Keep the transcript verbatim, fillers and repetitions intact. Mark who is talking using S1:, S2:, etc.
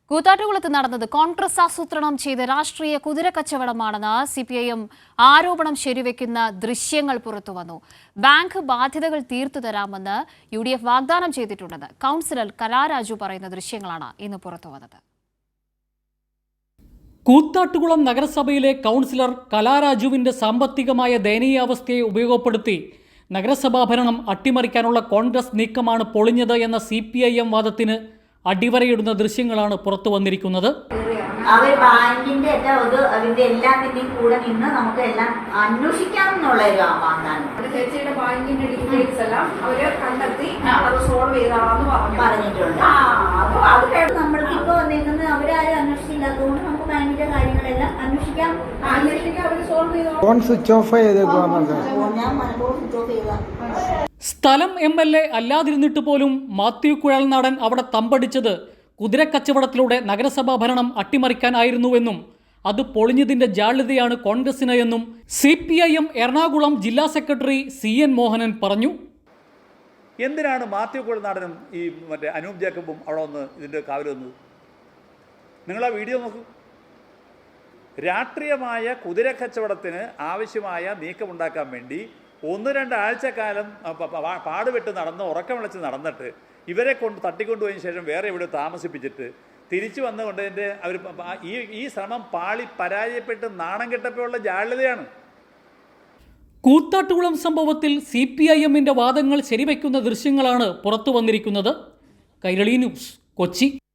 S1: കൂത്താട്ടുകുളത്ത് നടന്നത് കോൺഗ്രസ് ആസൂത്രണം ചെയ്ത രാഷ്ട്രീയ കുതിരക്കച്ചവടമാണെന്ന് സി പി ഐ എം ആരോപണം ശരിവെക്കുന്ന ദൃശ്യങ്ങൾ പുറത്തുവന്നു. ബാങ്ക് ബാധ്യതകൾ തീർത്തു തരാമെന്ന് യു ഡി എഫ് വാഗ്ദാനം ചെയ്തിട്ടുണ്ടെന്ന് കൗൺസിലർ കലാരാജു പറയുന്ന ദൃശ്യങ്ങളാണ് ഇന്ന് പുറത്തുവന്നത്.
S2: കൂത്താട്ടുകുളം നഗരസഭയിലെ കൗൺസിലർ കലാരാജുവിന്റെ സാമ്പത്തികമായ ദയനീയാവസ്ഥയെ ഉപയോഗപ്പെടുത്തി നഗരസഭാ ഭരണം അട്ടിമറിക്കാനുള്ള കോൺഗ്രസ് നീക്കമാണ് പൊളിഞ്ഞത് എന്ന സി പി ഐ എം വാദത്തിന് അടിവരയിടുന്ന ദൃശ്യങ്ങളാണ് പുറത്തു വന്നിരിക്കുന്നത്.
S3: അവർ ബാങ്കിന്റെ അതിന്റെ എല്ലാത്തിന്റെയും കൂടെ നിന്ന് നമുക്ക് എല്ലാം അന്വേഷിക്കാമെന്നുള്ള ഒരു വാഗ്ദാനം.
S4: ചേച്ചിയുടെ ബാങ്കിന്റെ ഡീറ്റെയിൽസ് എല്ലാം അവര് കണ്ടെത്തി അത് സോൾവ് ചെയ്താണെന്ന്
S3: പറഞ്ഞിട്ടുണ്ട്. അപ്പൊ അത് നമ്മൾക്ക് ഇപ്പൊ വന്നിരിക്കുന്നത് അവരാരും അന്വേഷിച്ചില്ലാത്തതുകൊണ്ട് നമുക്ക് ബാങ്കിന്റെ കാര്യങ്ങളെല്ലാം അന്വേഷിക്കാം.
S4: അന്വേഷിക്കാൻ അവര് സോൾവ് ചെയ്തോ.
S5: ഫോൺ സ്വിച്ച് ഓഫ് ചെയ്തേക്കുവാ.
S3: ഞാൻ മനഃപൂർവ്വം സ്വിച്ച് ഓഫ് ചെയ്ത
S2: സ്ഥലം എം എൽ എ അല്ലാതിരുന്നിട്ട് പോലും മാത്യു കുഴൽനാടൻ അവിടെ തമ്പടിച്ചത് കുതിരക്കച്ചവടത്തിലൂടെ നഗരസഭാ ഭരണം അട്ടിമറിക്കാനായിരുന്നുവെന്നും അത് പൊളിഞ്ഞതിന്റെ ജാള്യതയാണ് കോൺഗ്രസിന് എന്നും C P I M Ernakulam ജില്ലാ സെക്രട്ടറി സി എൻ മോഹനൻ പറഞ്ഞു.
S6: എന്തിനാണ് മാത്യു കുഴൽനാടനും ഈ മറ്റേ അനൂപ് ജേക്കബും അവിടെ വന്ന് ഇതിൻ്റെ കാവൽ വന്നത്? നിങ്ങൾ ആ വീഡിയോ നോക്കൂ. രാഷ്ട്രീയമായ കുതിരക്കച്ചവടത്തിന് ആവശ്യമായ നീക്കമുണ്ടാക്കാൻ വേണ്ടി ഒന്ന് രണ്ടാഴ്ചക്കാലം പാടുപെട്ട് നടന്ന് ഉറക്കം വിളിച്ച് നടന്നിട്ട് ഇവരെ കൊണ്ട് തട്ടിക്കൊണ്ടുപോയതിന് ശേഷം വേറെ ഇവിടെ താമസിപ്പിച്ചിട്ട് തിരിച്ചു വന്നുകൊണ്ട് എൻ്റെ അവർ ഈ ഈ ശ്രമം പാളി പരാജയപ്പെട്ട് നാണം കെട്ടപ്പോഴുള്ള ജാള്യതയാണ്.
S2: കൂത്താട്ടുകുളം സംഭവത്തിൽ സി പി ഐ എമ്മിൻ്റെ വാദങ്ങൾ ശരിവയ്ക്കുന്ന ദൃശ്യങ്ങളാണ് പുറത്തു വന്നിരിക്കുന്നത്. കൈരളി ന്യൂസ്, കൊച്ചി.